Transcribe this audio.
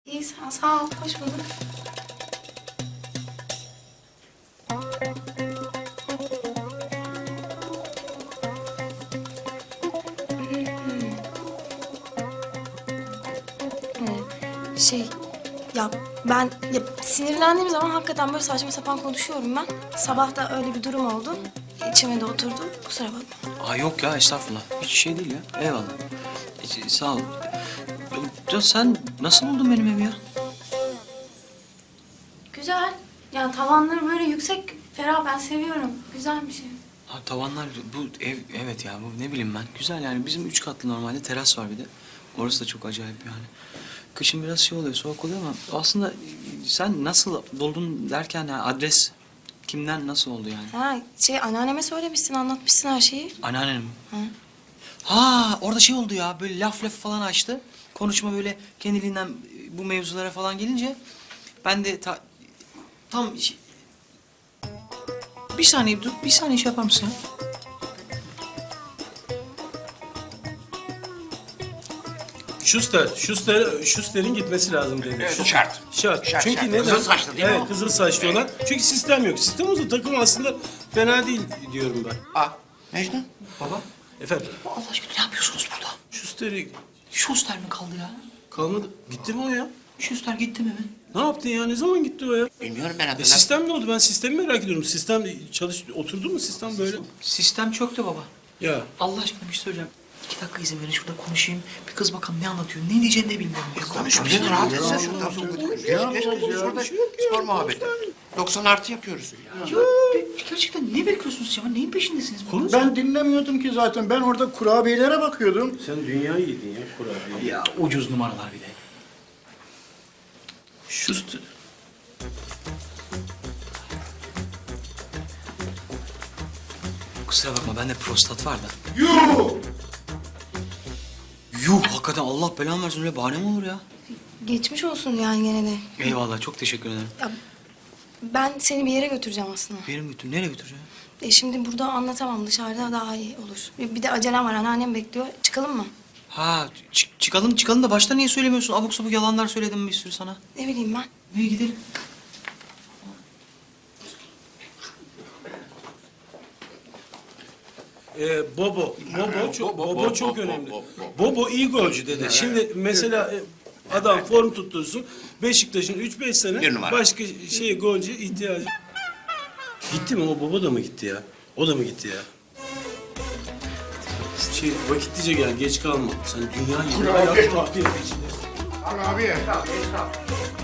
İyi sağ ol. Hoş bulduk. Şey, ben sinirlendiğim zaman hakikaten böyle saçma sapan konuşuyorum ben. Sabah da öyle bir durum oldu. İçime de oturdu. Kusura bakma. Aa yok ya estağfurullah. Hiç şey değil ya. Eyvallah. Sağ ol. Ya sen nasıl buldun benim evi ya? Güzel. Yani tavanları böyle yüksek, ferah. Ben seviyorum. Güzel bir şey. Ha, tavanlar bu ev evet ya bu ne bileyim ben. Güzel yani bizim 3 katlı normalde teras var bir de. Orası da çok acayip yani. Kışın biraz şey oluyor soğuk oluyor ama aslında sen nasıl buldun derken yani adres kimden nasıl oldu yani? Ha, anneanneme söylemişsin, anlatmışsın her şeyi. Anneannem mi? Hı. Ha orada şey oldu ya böyle laf falan açtı. Konuşma böyle kendiliğinden bu mevzulara falan gelince ben de tam bir saniye dur bir saniye şey yapar mısın ya? Schuster'in gitmesi lazım dedi. Evet, şart. Şart. Şart, Çünkü şart. neden? Kızıl saçlı değil mi Evet, o? kızıl saçlı olan. Çünkü sistem yok. Sistem olsa takım aslında fena değil diyorum ben. Mecnun. Baba Efendim, Allah aşkına ne yapıyorsunuz burada? Schuster'i Schuster mi kaldı ya? kalmadı. Gitti mi o ya? Schuster gitti mi mi? Ne yaptı ya? Ne zaman gitti o ya? Bilmiyorum ben adını. Sistem ne oldu? Ben sistemi merak ediyorum. Sistem oturdu mu sistem böyle? Sistem çöktü baba. Ya. Allah aşkına bir şey söyleyeceğim. 2 dakika izin verin şurada konuşayım. Bir kız bakalım ne anlatıyor, ne diyeceğini de bilmiyorum. Konuş bir şey rahat etsen şuradan sohbet. Geç konuş orada spor muhabbeti. 90 artı yapıyoruz. Ya gerçekten ne bekliyorsunuz ya? Neyin peşindesiniz? Konuş. Ben dinlemiyordum ki zaten. Ben orada kurabiyelere bakıyordum. Sen dünyayı yedin ya kurabiye. Ya ucuz numaralar bir de. Schuster. Kusura bakma bende prostat var da. Yuh! Yuh hakikaten Allah belanı versin öyle bahane mi olur ya? Geçmiş olsun yani gene de. Eyvallah çok teşekkür ederim. Ya, ben seni bir yere götüreceğim aslında. Benim götür nereye götüreceğim? Şimdi burada anlatamam. Dışarıda daha iyi olur. Bir de acelem var. Anneannem bekliyor. Çıkalım mı? Ha çıkalım da başta niye söylemiyorsun? Abuk sabuk yalanlar söyledim bir sürü sana. Ne bileyim ben. İyi gidelim. Bobo çok önemli. Bobo iyi golcü dede. Şimdi mesela adam form tuttursun. Beşiktaş'ın 3-5 sene Bir numara. başka golcü ihtiyacı. Gitti mi? O Bobo da mı gitti ya? O da mı gitti ya? Vakitlice gel, geç kalma. Sen dünya yılı Kurabiye. ayak. Abi.